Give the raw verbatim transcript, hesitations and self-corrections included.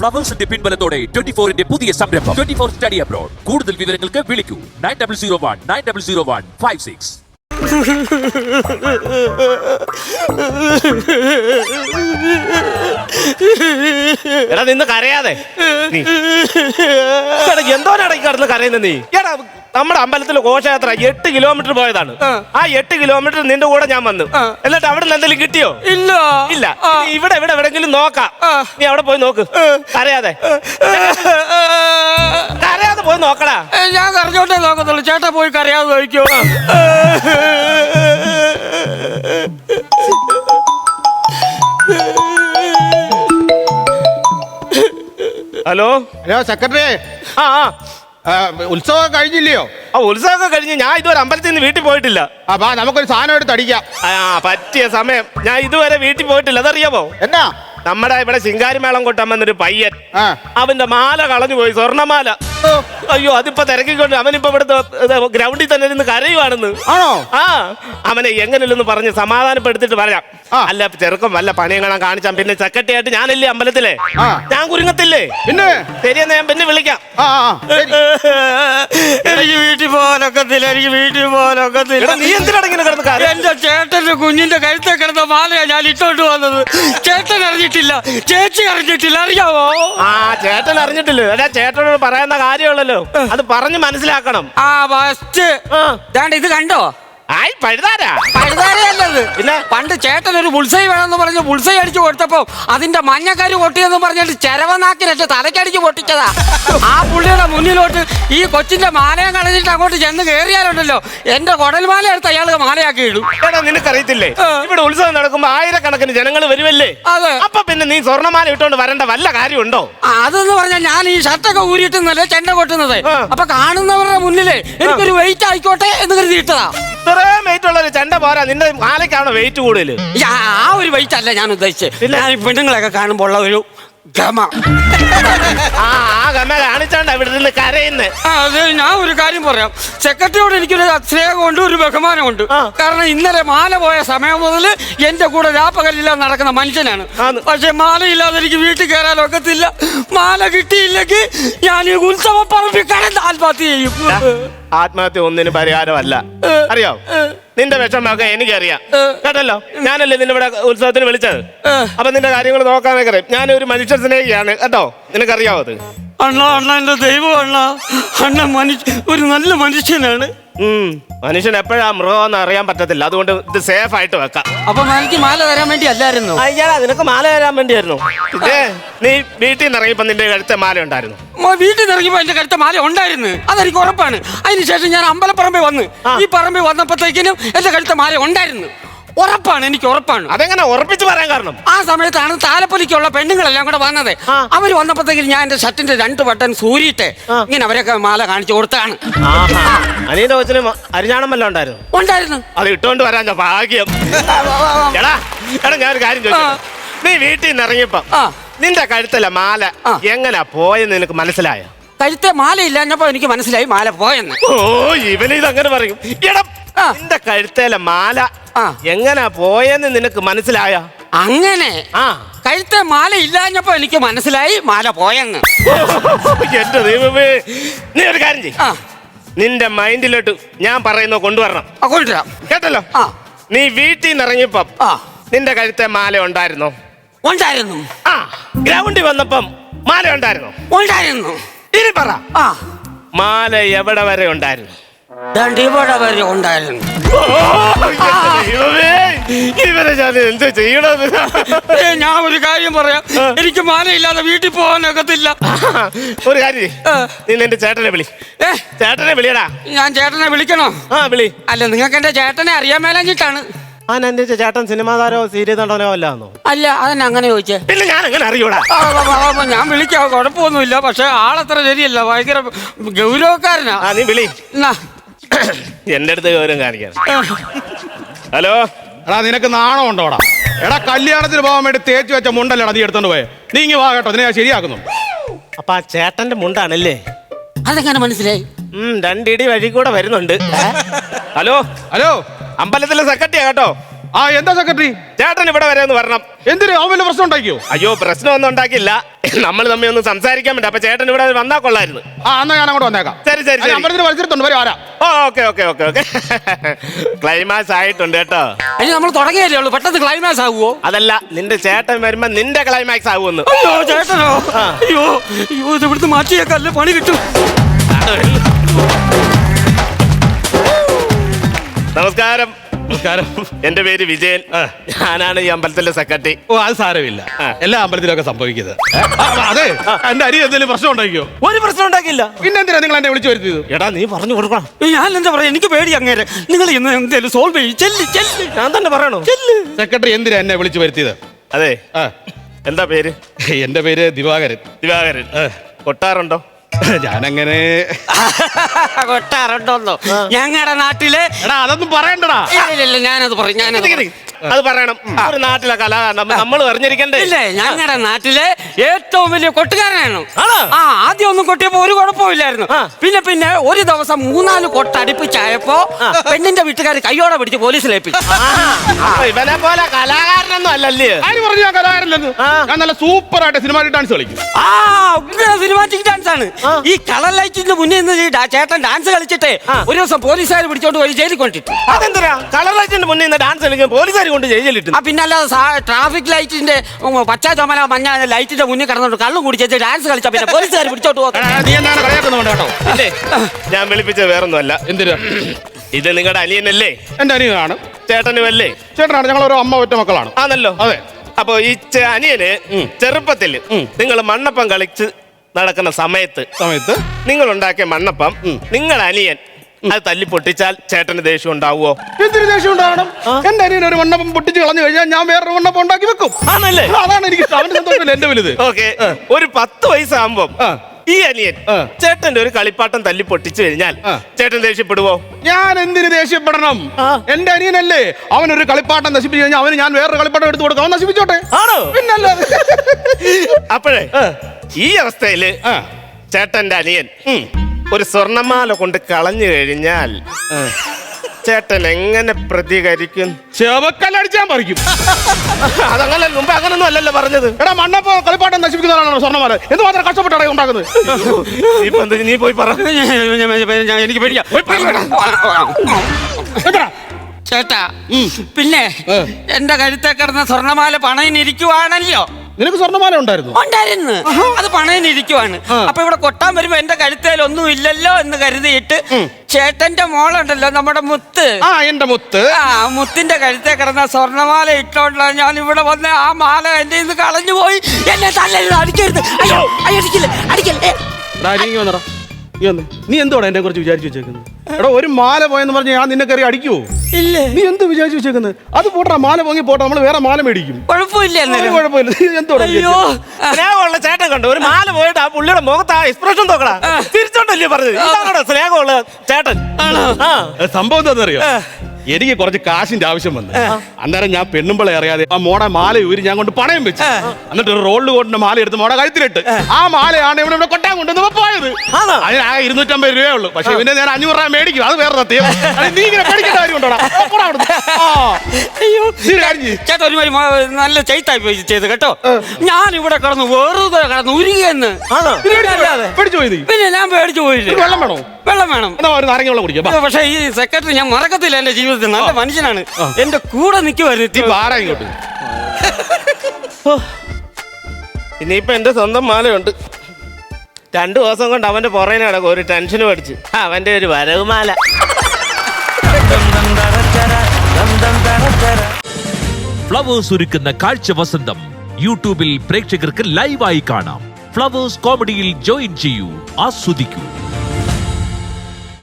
ഫ്ലവേഴ്സിന്റെ പിൻബലത്തോടെ twenty ഫോറിന്റെ പുതിയ സംരംഭം ട്വന്റി ഫോർ സ്റ്റഡി അബ്രോഡ്. കൂടുതൽ വിവരങ്ങൾക്ക് വിളിക്കൂ nine double zero one nine double zero one five six. എടാ നിന്ന് കരയാതെ എന്തോരടക്കി കടന്ന് കരയുന്ന നീ. എടാ നമ്മുടെ അമ്പലത്തിലെ ഘോഷയാത്ര എട്ട് കിലോമീറ്റർ പോയതാണ്. ആ എട്ട് കിലോമീറ്റർ നിന്റെ കൂടെ ഞാൻ വന്നു. എന്നിട്ട് അവിടെ നിന്ന് എന്തെങ്കിലും കിട്ടിയോ? ഇല്ല ഇല്ല. ഇവിടെ ഇവിടെ എവിടെങ്കിലും നോക്കാം. നീ അവിടെ പോയി നോക്ക്. കരയാതെ കരയാതെ പോയി നോക്കടാ. ഞാൻ കരഞ്ഞോട്ടേ നോക്കത്തുള്ളൂ. ചേട്ടാ പോയി കരയാതെ നോക്കിയോ. Hello hello secretary. ആ ആ ഉത്സവം കഴിഞ്ഞില്ലയോ? ആ ഉത്സവമൊക്കെ കഴിഞ്ഞ് ഞാൻ ഇതുവരെ അമ്പലത്തിൽ നിന്ന് വീട്ടിൽ പോയിട്ടില്ല. അപ്പൊ നമുക്കൊരു സാധനം എടുത്ത് അടിക്കാം. ആ പറ്റിയ സമയം. ഞാൻ ഇതുവരെ വീട്ടിൽ പോയിട്ടില്ല. അതറിയാമോ? എന്നാ? നമ്മുടെ ഇവിടെ ശിങ്കാരിമേളം കൊട്ടാൻ വന്നൊരു പയ്യൻ, ആ. അവന്റെ മാല കളഞ്ഞു പോയി, സ്വർണ്ണമാല. അയ്യോ അതിപ്പോ തിരക്കിക്കൊണ്ട് അവനിപ്പോ ഇവിടുത്തെ ഗ്രൗണ്ടിൽ തന്നെ ഇരുന്ന് കരയുവാണെന്ന്. ആണോ? ആ അവനെ എങ്ങനെയല്ലെന്ന് പറഞ്ഞ് സമാധാനപ്പെടുത്തിട്ട് പറയാം. അല്ല ചെറുക്കം വല്ല പണിയും കാണാൻ കാണിച്ചാൽ പിന്നെ സെക്രട്ടറി ആയിട്ട് ഞാനല്ലേ അമ്പലത്തിലെ, ഞാൻ കുരുങ്ങത്തില്ലേ? പിന്നെ ശരിയെന്നാ ഞാൻ പിന്നെ വിളിക്കാം. എനിക്ക് വീട്ടിൽ പോകാനൊക്കത്തില്ല. എനിക്ക് വീട്ടിൽ പോകാനൊക്കത്തില്ല. നീ എന്തിനാണെങ്കിലും കിടന്ന് കാര്യം? എന്റെ ചേട്ടന്റെ കുഞ്ഞിന്റെ കഴുത്തെ കിടന്ന മാലയാ ഞാൻ ഇട്ടോണ്ട് വന്നത്. ചേട്ടൻ അറിഞ്ഞിട്ടില്ല, ചേച്ചി അറിഞ്ഞിട്ടില്ല. അറിയാവോ? ആ ചേട്ടൻ അറിഞ്ഞിട്ടില്ല. അല്ല ചേട്ടനോട് പറയുന്ന കാര്യമുള്ളല്ലോ, അത് പറഞ്ഞ് മനസ്സിലാക്കണം. ആ ഫസ്റ്റ് ഇത് കണ്ടോ? ആയി പഴുതാരാ പഴുതാരയല്ലത്. പിന്നെ പണ്ട് ചേട്ടൻ ഒരു ബുൾസൈ വേണമെന്ന് പറഞ്ഞ് ബുൾസൈ അടിച്ചു കൊടുത്തപ്പോ അതിന്റെ മഞ്ഞക്കരി പൊട്ടിയെന്ന് പറഞ്ഞിട്ട് ചെരവനാക്കിനറ്റ് തലക്കടിച്ച് പൊട്ടിച്ചതാ. ആ പുള്ളിയുടെ മുന്നിലോട്ട് ഈ കൊച്ചിന്റെ മാലയം കളഞ്ഞിട്ട് അങ്ങോട്ട് ചെന്ന് കയറിയാലുണ്ടല്ലോ എന്റെ കുടൽമാല എടുത്ത് അയാൾ മാലയാക്കി ഇടും. എടാ നിനക്കറിയത്തില്ലേ, ഇവിടെ ഉത്സവം നടക്കുമ്പോ ആയിരക്കണക്കിന് ജനങ്ങൾ വരുമല്ലേ? അതെ. അപ്പൊ പിന്നെ നീ സ്വർണ്ണമാല ഇട്ടോണ്ട് വരേണ്ട വല്ല കാര്യമുണ്ടോ? അതെന്ന് പറഞ്ഞാൽ ഞാൻ ഈ ഷർട്ടൊക്കെ ഊരിയിട്ടുന്നല്ലേ ചെണ്ട കൊട്ടുന്നത്. അപ്പൊ കാണുന്നവരുടെ മുന്നിലേ എനിക്കൊരു വെയിറ്റ് ആയിക്കോട്ടെ എന്ന് കരുതി ഇട്ടതാ. ഇത്രയും വെയിറ്റ് ഉള്ള ഒരു ചെണ്ട പോരാ, നിന്റെ മാലയ്ക്കാണോ വെയിറ്റ് കൂടുതൽ? ആ ഒരു വെയിറ്റ് അല്ല ഞാൻ ഉദ്ദേശിച്ചത്. ഞാൻ ഈ പെണ്ണുങ്ങളൊക്കെ കാണുമ്പോൾ ഉള്ള ഒരു ഗമ. ആ ആ ഗമ കാണിച്ചാണ്ട ഇവിടെ നിന്ന് കരയുന്നേ. അതെ, ഞാൻ ഒരു കാര്യം പറയാം. സെക്രട്ടറിയോട് എനിക്കൊരു സ്നേഹമുണ്ട്, ഒരു ബഹുമാനമുണ്ട്. കാരണം ഇന്നലെ മാല പോയ സമയം മുതൽ എന്റെ കൂടെ രാപ്പകലില്ലാതെ നടക്കുന്ന മനുഷ്യനാണ്. പക്ഷെ മാലയില്ലാതെ എനിക്ക് വീട്ടിൽ കയറാൻ ഒക്കത്തില്ല. മാല കിട്ടിയില്ലെങ്കിൽ ഞാൻ ഈ ഉത്സവ പറമ്പിൽ കടന്ന് ആത്മഹത്യ ചെയ്യും. ആത്മഹത്യ ഒന്നിനും പരിഹാരമല്ല, അറിയോ? നിന്റെ വിഷമൊക്കെ എനിക്കറിയാം കേട്ടല്ലോ. ഞാനല്ലേ നിന്നെ ഇവിടെ ഉത്സവത്തിന് വിളിച്ചത്. അപ്പൊ നിന്റെ കാര്യങ്ങൾ നോക്കാനൊക്കെ അറിയാം. ഞാനൊരു മനുഷ്യ സ്നേഹിയാണ് കേട്ടോ, നിനക്കറിയാവോ അത്? അണ്ണ അണ്ണ എന്റെ ദൈവം അണ്ണ. അണ്ണ മനുഷ്യ ഒരു നല്ല മനുഷ്യനാണ്. ഉം മനുഷ്യൻ എപ്പോഴാ മൃഗമെന്ന് അറിയാൻ പറ്റത്തില്ല. അതുകൊണ്ട് ഇത് സേഫ് ആയിട്ട് വെക്കാം. അപ്പൊ എനിക്ക് മാല തരാൻ വേണ്ടി അല്ലായിരുന്നു? അയ്യാ നിനക്ക് മാല തരാൻ വേണ്ടിയായിരുന്നു. ഇതേ നീ വീട്ടിൽ നിന്ന് ഇറങ്ങിയപ്പോ നിന്റെ കഴുത്തെ മാല ഉണ്ടായിരുന്നു. വീട്ടിൽ നിന്ന് ഇറങ്ങിയപ്പോ എന്റെ കഴുത്ത മാല ഉണ്ടായിരുന്നു, അതെനിക്ക് ഉറപ്പാണ്. അതിനുശേഷം ഞാൻ അമ്പലപ്പറമ്പിൽ വന്ന് ഈ പറമ്പിൽ വന്നപ്പോഴത്തേക്കിനും എന്റെ കഴുത്ത മാല ഉണ്ടായിരുന്നു, ഉറപ്പാണ്, എനിക്ക് ഉറപ്പാണ്. അതെങ്ങനെ ഉറപ്പിച്ച് പറയാൻ കാരണം? ആ സമയത്താണ് താലപ്പൊലിക്കുള്ള പെണ്ണുങ്ങളെല്ലാം കൂടെ വന്നത്. അവര് വന്നപ്പോഴത്തേക്കും ഞാൻ എന്റെ ഷർട്ടിന്റെ രണ്ട് ബട്ടൺ സൂരിയിട്ട് ഇങ്ങനെ അവരൊക്കെ മാല കാണിച്ചു കൊടുത്താണ്. അനിയന്റെ കൊച്ചിന് അരിഞ്ഞാണം വല്ലതും ഉണ്ടായിരുന്നു? ഉണ്ടായിരുന്നു. അത് ഇട്ടോണ്ട് വരാൻ ഭാഗ്യം. എടാ എടാ ഞാനൊരു കാര്യം ചോദിച്ചു. നീ വീട്ടിൽ നിന്ന് ഇറങ്ങിയപ്പോ നിന്റെ കഴുത്തല്ല മാല എങ്ങനാ പോയെന്ന് നിനക്ക് മനസ്സിലായോ? കഴുത്തെ മാല ഇല്ലാഞ്ഞപ്പോ എനിക്ക് മനസ്സിലായി മാല പോയെന്ന്. ഓ ഇവന് ഇതങ്ങനെ പറയും. എടാ നിന്റെ കഴുത്തേലെ മാല എങ്ങനാ പോയെന്ന് നിനക്ക് മനസ്സിലായ? അങ്ങനെ ആ കഴുത്തെ മാല ഇല്ലാഞ്ഞപ്പോ എനിക്ക് മനസ്സിലായി മാല പോയെന്ന്. എന്റെ ദൈവമേ, നീ ഒരു കാര്യം ചെയ്യ്. നിന്റെ മൈൻഡിലോട്ട് ഞാൻ പറയുന്ന കൊണ്ടുവരണം. കൊണ്ടുവരാം കേട്ടല്ലോ. നീ വീട്ടിൽ നിന്ന് ഇറങ്ങിയപ്പം നിന്റെ കഴുത്തെ മാല ഉണ്ടായിരുന്നോ? ഉണ്ടായിരുന്നു. ആ ഗ്രൗണ്ടിൽ വന്നപ്പം മാല ഉണ്ടായിരുന്നോ? ഉണ്ടായിരുന്നു. ഇനി പറ, ആ മാല എവിടെ വരെ ഉണ്ടായിരുന്നു? ഇവിടെ വരെ ഉണ്ടായിരുന്നു. ഇവരെ ഞാൻ എന്ത് ചെയ്യണത്? ഞാൻ ഒരു കാര്യം പറയാം, എനിക്ക് മാലയില്ലാതെ വീട്ടിൽ പോകാനൊക്കത്തില്ല. ഒരു കാര്യം, നീ എന്റെ ചേട്ടനെ വിളി. ചേട്ടനെ വിളിയടാ. ഞാൻ ചേട്ടനെ വിളിക്കണോ? ആ വിളി. അല്ല നിങ്ങൾക്ക് എന്റെ ചേട്ടനെ അറിയാൻ മേലഞ്ഞിട്ടാണ്. ആ എന്റെ ചേട്ടൻ സിനിമാ താരോ സീരിയൽ നടനോ അല്ലാന്നോ? അല്ല, അതെന്നെ അങ്ങനെ ചോദിച്ചേ. പിന്നെ ഞാൻ എങ്ങനെ അറിയൂടാ? ഞാൻ വിളിക്കാം, കുഴപ്പമൊന്നുമില്ല. പക്ഷെ ആളത്ര ശരിയല്ല, ഭയങ്കര ഗൗരവക്കാരനാ. ആ നീ വിളി. എന്റെ അടുത്ത് ഗൗരവം കാണിക്കാൻ. ഹലോ എടാ നിനക്ക് നാണം ഉണ്ടോടാ? എടാ കല്യാണത്തിന് പോകാൻ വേണ്ടി തേച്ച് വെച്ച മുണ്ടല്ലടാ നീ എടുത്തോണ്ട് പോയെ. നീ ഇങ്ങ് വാ കേട്ടോ, നിന്നെ ഞാൻ ശരിയാക്കുന്നു. അപ്പൊ ആ ചേട്ടന്റെ മുണ്ടാണല്ലേ? അതെങ്ങനെ മനസ്സിലായി? ഉം രണ്ടിടി വഴി കൂടെ വരുന്നുണ്ട്. ഹലോ ഹലോ അമ്പലത്തിലെ സെക്രട്ടറിയാ കേട്ടോ. ആ എന്താ സെക്രട്ടറി? ചേട്ടൻ ഇവിടെ വരെ ഒന്ന് വരണം. എന്തിന്? അവൻ വല്ല പ്രശ്നം ഉണ്ടാക്കിയോ? അയ്യോ, പ്രശ്നമൊന്നും ഉണ്ടാക്കില്ല. നമ്മൾ തമ്മിൽ ഒന്ന് സംസാരിക്കാൻ വേണ്ടി. അപ്പൊ ചേട്ടൻ ഇവിടെ വന്നാ കൊള്ളായിരുന്നു. ആ എന്നാ ഞാൻ അങ്ങോട്ട് വന്നേക്കാം. ശരി ശരി ശരി. അമ്പലത്തിന് വലിച്ചിട്ടുണ്ട്, വരും ആരാ? Oh okay okay okay okay. Climax ആയിട്ടുണ്ട് കേട്ടോ. അയ്യോ നമ്മൾ തുടങ്ങിയല്ലേ ഉള്ളൂ, പെട്ടെന്ന് ക്ലൈമാക്സ് ആകുവോ? അതല്ല, നിന്റെ ചേട്ടൻ വരുമ്പോ നിന്റെ ക്ലൈമാക്സ് ആകുമെന്ന്. അയ്യോ ചേട്ടനോ? അയ്യോ അയ്യോ, ഇത് ഇവിടുന്ന് മാറ്റിയേക്കല്ലേ, പണി കിട്ടും. നമസ്കാരം. നമസ്കാരം. എന്റെ പേര് വിജയൻ. ഞാനാണ് ഈ അമ്പലത്തിലെ സെക്രട്ടറി. ഓ അത് സാരമില്ല, എല്ലാ അമ്പലത്തിലൊക്കെ സംഭവിക്കുന്നത്. ആ, അതെ, എന്റെ അരി എന്തെങ്കിലും പ്രശ്നം ഉണ്ടാക്കിയോ? ഒരു പ്രശ്നം ഉണ്ടാക്കില്ല. പിന്നെന്തിനാ നിങ്ങൾ എന്നെ വിളിച്ചു വരുത്തിയത്? എടാ നീ പറഞ്ഞു കൊടുക്കണം. ഞാൻ എന്താ പറയാ, എനിക്ക് പേടി അങ്ങേരെ. നിങ്ങൾ ഇന്ന് എന്തേലും സോൾവ് ചെയ്യും. ചെല്ല് ചെല്ല്. ഞാൻ തന്നെ പറയണോ? സെക്രട്ടറി എന്തിനാ എന്നെ വിളിച്ചു വരുത്തിയത്? അതെ, ആ, എന്താ പേര്? എന്റെ പേര് ദിവാകരൻ. ദിവാകരൻ. കൊട്ടാറുണ്ടോ? ഞാനങ്ങനെ കൊട്ടാറുണ്ടോന്നോ? ഞങ്ങളുടെ നാട്ടിലെ എടാ അതൊന്നും പറയണ്ടടാ. ഇല്ല ഞാനത് പറയും, ഞാനത് പറയും. അത് പറയണം. ഒരു നാട്ടിലെ കലാകാരൻ നമ്മൾ അറിഞ്ഞിരിക്കണ്ടേ? ഇല്ലേ, ഞങ്ങളുടെ നാട്ടിലെ ഏറ്റവും വലിയ കൊട്ടുകാരനാണ്. ആണോ? ആ ആദ്യം ഒന്നും കൊട്ടിയപ്പോ ഒരു കുഴപ്പമില്ലായിരുന്നു. പിന്നെ പിന്നെ ഒരു ദിവസം മൂന്നാല് കൊട്ട് അടുപ്പിച്ചായപ്പോ പെണ്ണിന്റെ വീട്ടുകാർ കയ്യോടെ പിടിച്ച് പോലീസിൽ ഏൽപ്പിച്ചു. ഇവനെ പോലെ കലാകാരനൊന്നും അല്ലല്ലേ? ആര് പറഞ്ഞു ഞാൻ കലാകാരല്ലെന്ന്? ഞാൻ നല്ല സൂപ്പർ ആയിട്ട് സിനിമാറ്റിക് ഡാൻസ് കളിക്കും. ആ സിനിമാറ്റിക് ഡാൻസ് ആണ്. ഈ കളർ ലൈറ്റിന്റെ മുന്നിൽ നിന്ന് ഈ ഡാ- ചേട്ടൻ ഡാൻസ് കളിച്ചിട്ട് ഒരു ദിവസം പോലീസുകാർ പിടിച്ചോണ്ട് പോയി ജയിലിൽ കൊണ്ടിട്ടു. അതെന്തിനാ കളർ ലൈറ്റിന്റെ മുന്നിൽ നിന്ന് ഡാൻസ് കളിക്കാൻ പോലീസുകാർ കൊണ്ട് ജയിലിട്ടു? ആ പിന്നല്ലാതെ ട്രാഫിക് ലൈറ്റിന്റെ ഉം, പച്ച ചുമല മഞ്ഞ ലൈറ്റിന്റെ മുന്നിൽ കിടന്നോണ്ട് കള്ളും കുടിച്ച് ഡാൻസ് കളിച്ചാ പിന്നെ പോലീസുകാർ പിടിച്ചോട്ട് പോകും. എടാ, നീ എന്താണ് കളിയാക്കുന്നുണ്ട് കേട്ടോ? ഇല്ലേ, ഞാൻ വിളിപ്പിച്ചത് വേറൊന്നുമല്ല. എന്തിനാ? ഇത് നിങ്ങളുടെ അനിയനല്ലേ? എന്റെ അനിയനാണ്. ചേട്ടനും അല്ലേ? ചേട്ടനാണ്. ഞങ്ങൾ ഒരു അമ്മ ഒറ്റ മക്കളാണ്. ആണല്ലോ. അതെ. അപ്പൊ ഈ ചെ- അനിയന് ചെറുപ്പത്തിൽ നിങ്ങൾ മണ്ണപ്പം കളിച്ച് നടക്കുന്ന സമയത്ത് സമയത്ത് നിങ്ങൾ ഉണ്ടാക്കിയ മണ്ണപ്പം നിങ്ങളുടെ അനിയൻ അത് തല്ലി പൊട്ടിച്ചാൽ ചേട്ടന് ദേഷ്യം ഉണ്ടാവുമോ? എന്തിനു ദേഷ്യം ഉണ്ടാവണം? എന്റെ അനിയൻ ഒരു മണ്ണപ്പം പൊട്ടിച്ച് കളഞ്ഞു കഴിഞ്ഞാൽ ഞാൻ വേറൊരു മണ്ണപ്പം ഉണ്ടാക്കി വെക്കും. ആണല്ലേ? അതാണ് എനിക്ക് അവന്റെ സന്തോഷമില്ല എന്റെ വലുത്. ഓക്കെ. ഒരു പത്ത് വയസ്സാകുമ്പോ ആ. ഈ അനിയൻ ആ. ചേട്ടന്റെ ഒരു കളിപ്പാട്ടം തല്ലി പൊട്ടിച്ചു കഴിഞ്ഞാൽ ആ. ചേട്ടൻ ദേഷ്യപ്പെടുവോ? ഞാൻ എന്തിനു ദേഷ്യപ്പെടണം? എന്റെ അനിയനല്ലേ, അവനൊരു കളിപ്പാട്ടം നശിപ്പിച്ചു കഴിഞ്ഞാൽ അവന് ഞാൻ വേറൊരു കളിപ്പാട്ടം എടുത്തു കൊടുക്കാം. അവൻ നശിപ്പിച്ചോട്ടെ. ആണോ? പിന്നല്ലാതെ. അപ്പോഴേ ഈ അവസ്ഥയില് ആ. ചേട്ടന്റെ അനിയൻ ഒരു സ്വർണ്ണമാല കൊണ്ട് കളഞ്ഞു കഴിഞ്ഞാൽ ചേട്ടൻ എങ്ങനെ പ്രതികരിക്കും? ചെവക്കല്ലടിച്ചാൻ പറിക്കും. അതങ്ങനെ മുമ്പ് അങ്ങനൊന്നും അല്ലല്ലോ പറഞ്ഞത്. എടാ മണ്ണപ്പോ കളിപ്പാട്ടം നശിപ്പിക്കുന്നതാണോ സ്വർണ്ണമാല? എന്തുമാത്രം കഷ്ടപ്പെട്ടാണ് ഉണ്ടാക്കുന്നത്? ഇപ്പൊ എന്ത് നീ പോയി പറ. എനിക്ക് പേടിയാ. എത്ര? ചേട്ടാ പിന്നെ എന്റെ കഴുത്തെ കിടന്ന സ്വർണ്ണമാല പണയിനിരിക്കുവാണല്ലോ. നിനക്ക് സ്വർണ്ണമാല ഉണ്ടായിരുന്നു? ഉണ്ടായിരുന്നു. അത് പണയിനിരിക്കുവാണ്. അപ്പൊ ഇവിടെ കൊട്ടാൻ വരുമ്പോ എന്റെ കഴുത്തേൽ ഒന്നും ഇല്ലല്ലോ എന്ന് കരുതിയിട്ട് ചേട്ടന്റെ മോളുണ്ടല്ലോ നമ്മുടെ മുത്ത്, ആ എന്റെ മുത്ത്, ആ മുത്തിന്റെ കഴുത്തെ കിടന്ന സ്വർണ്ണമാല ഇട്ടോണ്ടാ ഞാൻ ഇവിടെ വന്ന് ആ മാല എന്റെ ഇന്ന് കളഞ്ഞു പോയി. എന്നെ തല്ലരുത്, അടിക്കരുത്. അയ്യോ അയ്യോ, അടിക്കില്ല അടിക്കല്ലേ. നീ എന്തോടാ എന്നെ കുറിച്ച് വിചാരിച്ചു വെച്ചേക്കുന്നത്? എടാ ഒരു മാല പോയെന്ന് പറഞ്ഞ് ഞാൻ നിന്നെ കയറി അടിക്കുവോ? ഇല്ല. നീ എന്ത് വിചാരിച്ചു വെച്ചേക്കുന്നത്? അത് പോട്ടാ, മാല പോങ്ങി പോട്ടെ, നമ്മൾ വേറെ മാല മേടിക്കും. കുഴപ്പമില്ല. ഒരു കുഴപ്പമില്ല. നീ എന്തോടാ അയ്യോ സ്നേഹമുള്ള ചേട്ടൻ കണ്ടു ഒരു മാല പോയിട്ട് ആ പുള്ളിയുടെ മുഖത്ത് ആ എക്സ്പ്രഷൻ നോക്കടാ. തിരിച്ചോണ്ടല്ലേ പറഞ്ഞത്? ഇതാണോ സ്നേഹമുള്ള ചേട്ടൻ? ആ. സംഭവം എന്താണെന്നറിയോ? എനിക്ക് കുറച്ച് കാശിന്റെ ആവശ്യം വന്നു. അന്നേരം ഞാൻ പെണ്ണുമ്പളെ അറിയാതെ ആ മോടെ മാല ഊരി ഞാൻ കൊണ്ട് പണയം വെച്ചു. എന്നിട്ട് ഒരു റോളിൽ കൊണ്ട മാല എടുത്ത് മോടെ കഴുത്തിലിട്ട് ആ മാലയാണ് ഇവിടെ ഇവിടെ കൊട്ടാൻ കൊണ്ടുവന്ന് പോയത്. അതിന് ആ ഇരുന്നൂറ്റമ്പത് രൂപയേ ഉള്ളൂ. പക്ഷെ പിന്നെ ഞാൻ അഞ്ഞൂറ് രൂപ മേടിക്കും. അത് വേറെ സത്യം. അത് നീ ഇങ്ങനെ പേടിക്കേണ്ട കാര്യം ഉണ്ടോടാ? അയ്യോ ചേട്ടാ ഒരു മാതിരി നല്ല ചെയ്ത്തായി പോയി ചെയ്ത് കേട്ടോ. ഞാൻ ഇവിടെ കിടന്നു വെറുതെ കിടന്നു ഉരുകിയെന്ന്. പേടിച്ചു പോയി. പിന്നെ ഞാൻ പേടിച്ചു പോയില്ലേ. വെള്ളം വേണോ? വെള്ളം വേണം. എന്നാ ഒരു നാരങ്ങ വെള്ളം കുടിക്കാം. പക്ഷെ ഈ സെക്രട്ടറി ഞാൻ മറക്കത്തില്ല. എന്റെ ജീവിതത്തിൽ നല്ല മനുഷ്യനാണ്. എന്റെ കൂടെ നിൽക്കുമായിരുന്നു. ആരാ ഇങ്ങോട്ട്? ഇനിയിപ്പൊ എന്റെ സ്വന്തം മാലയുണ്ട്. രണ്ടു ദിവസം കൊണ്ട് അവന്റെ പുറകിന് കിടക്കും ഒരു ടെൻഷനും അടിച്ച്. അവന്റെ ഒരു വരവ് മാല. ഫ്ലവേഴ്സ് ഒരുക്കുന്ന കാഴ്ച വസന്തം യൂട്യൂബിൽ പ്രേക്ഷകർക്ക് ലൈവായി കാണാം. ഫ്ലവേഴ്സ് കോമഡിയിൽ ജോയിൻ ചെയ്യൂ, ആസ്വദിക്കൂ.